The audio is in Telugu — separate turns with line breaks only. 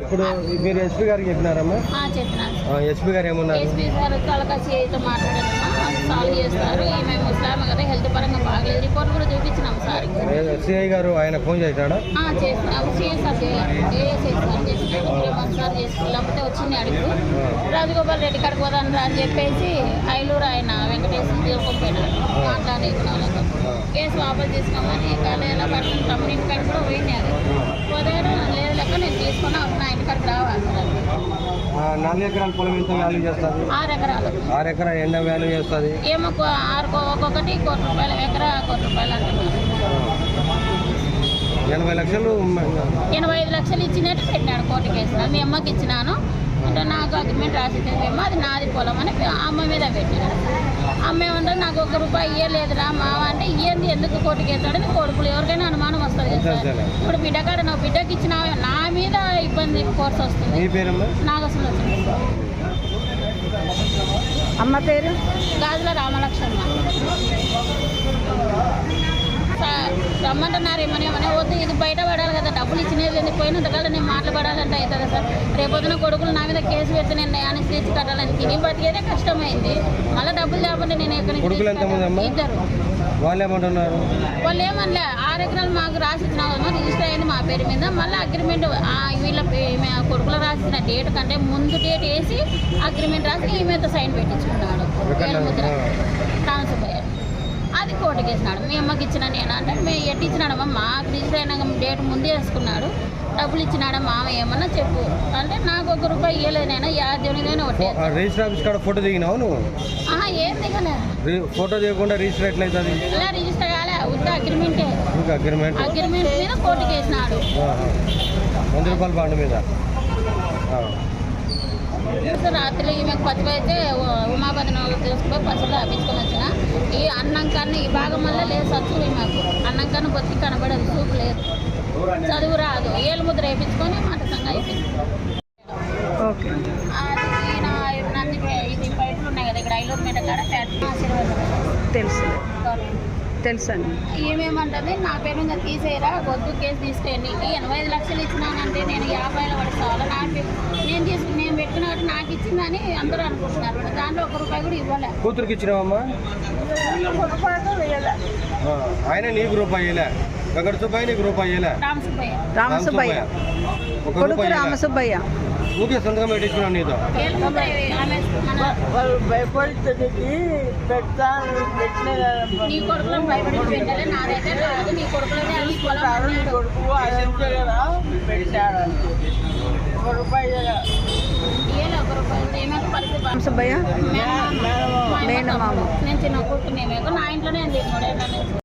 ఇప్పుడు మీరు ఎస్పీ గారికి చెప్పినారమ్మా?
చెప్పినాను.
ఎస్పీ గారు ఏమన్నారు?
ఎస్పీ గారు కలకసితో మాట్లాడారమ్మా, సాల్వ్ చేస్తారు. ఈమె ముస్లామే కదా, హెల్త్ పరంగా బాగలేదు. రిపోర్ట్ కూడా చూపించినాం సార్.
సిఐ గారు ఆయన ఫోన్ చేశాడా?
చేసినాము. సిఎస్ఆర్ లేకపోతే వచ్చింది అడుగు. రాజగోపాల్ రెడ్డి కాడికి పోదాను అని చెప్పేసి ఐలూరు ఆయన వెంకటేశ్వర తీసుకుపోయినాడు. మాట్లాడేసిన వాళ్ళతో కేసు వాపసు తీసుకోమని ఎలా పడుతుంది తమ్ముడి ఇంటి కాడికి కూడా పోయినాడు. పోదారు లేదు లెక్క నేను తీసుకున్నా నా ఇంటి కాడికి రావాలి.
4 ఎకరాల పొలం ఎంత వాల్యూ చేస్తారు?
6 ఎకరాలు.
6 ఎకరాలు ఎంత వాల్యూ చేస్తుంది?
ఏమో ఒక్కొక్కటి ₹1,00,000 ఎకరా ₹1,00,000 అంటున్నారు.
80 లక్షలు
85 లక్షలు ఇచ్చినట్టు పెట్టినాడు. కోర్టు కేసు మీ అమ్మకి ఇచ్చినాను అంటే నాకు అగ్రిమెంట్ రాసిద్దేమో అది నాది పొలం అని అమ్మ మీద పెట్టినాడు. అమ్మ ఏమంటే నాకు ₹1 ఇయ్యలేదురా మావ అంటే ఇయ్యంది ఎందుకు కోర్టుకి వేస్తాడని కొడుకులు ఎవరికైనా అనుమానం వస్తుంది సార్. ఇప్పుడు బిడ్డ కాడ నా బిడ్డకి ఇచ్చిన నా మీద ఇబ్బంది కోర్సు వస్తుంది. నాకు అసలు వచ్చింది.
అమ్మ పేరు
గాజుల రామలక్ష్మమ్మ. రమ్మంటున్నారు ఏమని వద్దు, ఇది బయట పడాలి కదా, డబ్బులు ఇచ్చినది పోయినంతకాలం నేను మాట్లాడాలంటే అవుతుంది సార్. రేపొద్దున కొడుకులు నా మీద కేసు పెడితే నేను నయానికి తెచ్చి కట్టాలని తిని బతికేదే కష్టమైంది. మళ్ళీ డబ్బులు లేకపోతే నేను ఎక్కడి నుంచి? 2.
వాళ్ళు ఏమంటున్నారు?
వాళ్ళు ఏమనలే 6 ఎకరాలు మాకు రాసిచ్చిన రిజిస్టర్ అయింది మా పేరు మీద. మళ్ళీ అగ్రిమెంట్ వీళ్ళ కొడుకులు రాసిన డేట్ కంటే ముందు డేట్ వేసి అగ్రిమెంట్ రాసి ఈమెతో సైన్ పెట్టించుకున్నాడు. ముద్ర ట్రాన్స్ఫర్ అది కోర్టుకి వేసినాడు. మీ అమ్మకి ఇచ్చిన నేను అంటే మేము ఎట్టి ఇచ్చినాడమ్మా మాకు రిజిస్టర్ అయినా డేట్ ముందే వేసుకున్నాడు. డబ్బులు ఇచ్చినాడా మామ ఏమన్నా చెప్పు అంటే నాకు ₹1 ఇవ్వలేదు. నేను దేవునిదైనా ఒకటి
రిజిస్టర్ ఆఫీస్ కాడ ఫోటో దిగినావు నువ్వు?
ఏం దిగలే.
Photo దిగకుండా register ఎట్లయితుంది?
ఇలా రిజిస్టర్ కాలే, ఉత్త అగ్రిమెంటే. అగ్రిమెంట్ మీద కోర్టుకి వేసినాడు.
₹100 బాండ్ మీద.
రాత్రి ఈమెకు పసుపు అయితే ఉమాపతి తీసుకుపోయి పసుపులో ఆపించుకొని వచ్చిన. ఈ అన్నం కన్నా ఈ భాగం వల్ల లేదు సచ్చు. ఈమెకు అన్నం కన్నా బొత్తి కనబడదు, చూపు లేదు, చదువు రాదు. ఏళ్ళు ముద్ర వేయించుకొని మటసంగా అయిపోయింది. ఇది పైపులు ఉన్నాయి కదా ఇక్కడ ఐలూరు మీద కాడ
తెలుసండి.
ఏమేమంటుంది నా పేరు మీద తీసేయరా, వద్దు కేసు తీసుకెళ్ళి 85 లక్షలు ఇచ్చినానంటే నేను 50లో పడుకోవాలి. నేను పెట్టుకున్నట్టు నాకు ఇచ్చిందని అందరూ అనుకుంటున్నారు. దాంట్లో ₹1 కూడా ఇవ్వలే.
కూతురికి ఇచ్చినావమ్మా? ఆయన నీకు ₹1 వెంకట సుబ్బయ్య, నీకు ₹1
రామసుబ్బయ్య కొడుకు రామసుబ్బయ్య.
ఊకే సొంతగా పెట్టించుకున్నాను నీతో.
వాళ్ళు భయపడుతుంది నీ కొడుకులో భయపడి పెట్టాలి. నాదైతే కాదు, నీ కొడుకులో
రామసుబ్బయ్య
నేను చిన్న కొడుకు నా ఇంట్లోనే 3 ఏళ్ళ నుంచి